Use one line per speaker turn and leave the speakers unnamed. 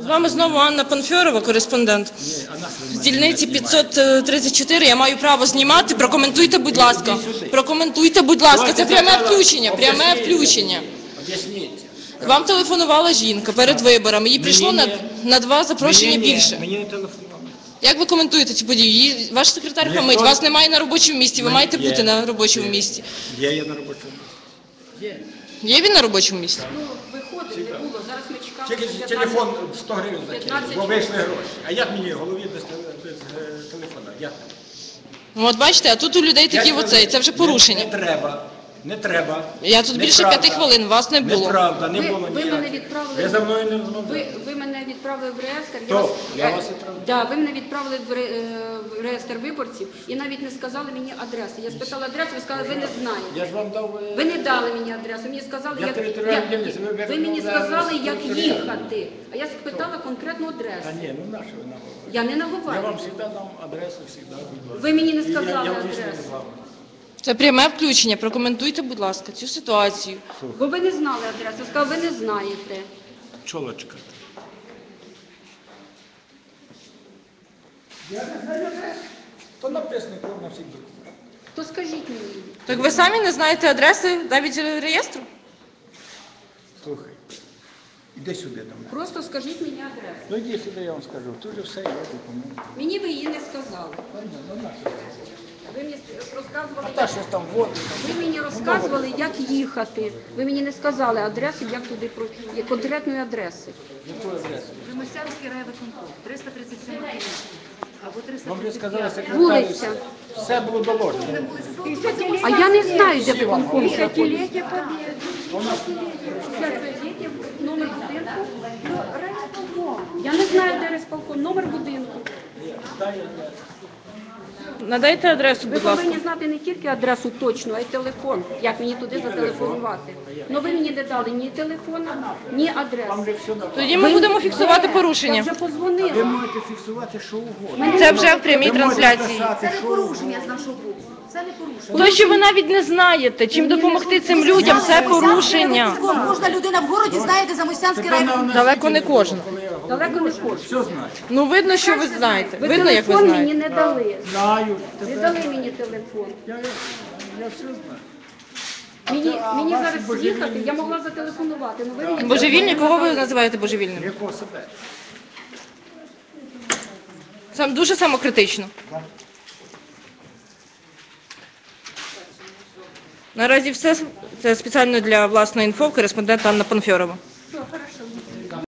З вами знову Анна Панфьорова, кореспондент. З дільниці 534 я маю право знімати. Прокоментуйте, будь ласка. Прокоментуйте, будь ласка. Це пряме включення. Пряме включення. Вам телефонувала жінка перед виборами. Їй прийшло на 2 запрошення більше.
Мені не телефонували.
Як ви коментуєте цю подію? Ваш секретар хамить, вас немає на робочому місці, ви маєте бути на робочому місці.
Є я на робочому місці.
Є він на робочому місці?
Ну, виходить, не було. Зараз ми чекали.
Тільки телефон 100 гривень закинув, бо вийшли гроші. А як мені голові без телефона? Як?
Ну, от бачите, а тут у людей такі оцей, це вже порушення.
Не треба.
Я тут більше 5 хвилин, вас не було.
Неправда, не було
Ви
ніяк.
мене відправили.
Ви за мною не розмовляли.
Ви мене відправили в реєстр.
Хто? Я вас відправив?
Да, ви мене відправили в реєстр виборців і навіть не сказали мені адреси. Я спитала адресу, ви сказали, ви не знаєте.
Я ж вам дав...
Ви не дали мені адресу, мені сказали,
Я територіальна дільниця,
ви мені сказали, як їхати. А я спитала конкретну адресу.
А ні, ну нащо ви нам говорите?
Я не
Я
наговорю.
вам завжди дам адресу, завжди, будь ласка.
Ви мені не
І
сказали
я
адресу.
вийшов з вами.
Це пряме включення. Прокоментуйте, будь ласка, цю ситуацію.
Бо ви не знали адресу. Я сказала, ви не знаєте.
Чолочка. Я не знаю адресу. То написано на всіх документах.
То скажіть мені.
Так ви самі не знаєте адреси навіть реєстру?
Слухай, іди сюди до мене.
Просто скажіть мені адресу.
Ну йди сюди, я вам скажу. Тут же все є документи.
Мені ви її не сказали.
Ну нащо?
Ви мені розказували,
А та щось там воду.
ви мені розказували, як їхати. Ви мені не сказали адресу, як туди пройти, конкретної адреси.
Яку адресу?
Примосянський райвиконком, 337 або
Вам вже
335.
сказали секретарі,
Вулиця.
все було доложено.
А я не знаю, де виконком знаходиться.
Десятилетие Победы.
Номер будинку. Я не знаю, де райсполком. Номер будинку.
Надайте адресу,
Ви
будь ласка.
повинні знати не тільки адресу точну, а й телефон, як мені туди зателефонувати. Ну ви мені не дали ні телефона, ні адреси.
Тоді ми будемо фіксувати
Я
порушення.
вже
Ви
позвонила.
можете фіксувати що угодно.
Це вже в прямій
Ви можете
трансляції.
писати,
Це не
що
порушення з
угодно.
нашого боку. Це не порушення.
То, що ви навіть не знаєте, чим допомогти цим людям, це порушення.
Кожна людина в городі знає, де Замостянський райвиконком.
Далеко не кожна.
Далеко не кожен.
Все знаю.
Ну, видно, що ви знаєте.
Ви
Видно, як ви
телефон мені
знаєте.
не дали.
Знаю.
Не дали мені телефон.
Я все знаю.
Мені зараз їхати, я могла зателефонувати. Ну, ви мені
Божевільні? Кого ви називаєте божевільним?
Якого себе?
Сам дуже самокритично. Наразі все. Це спеціально для власної інфо, кореспондент Анна Панфьорова.
Все, хорошо.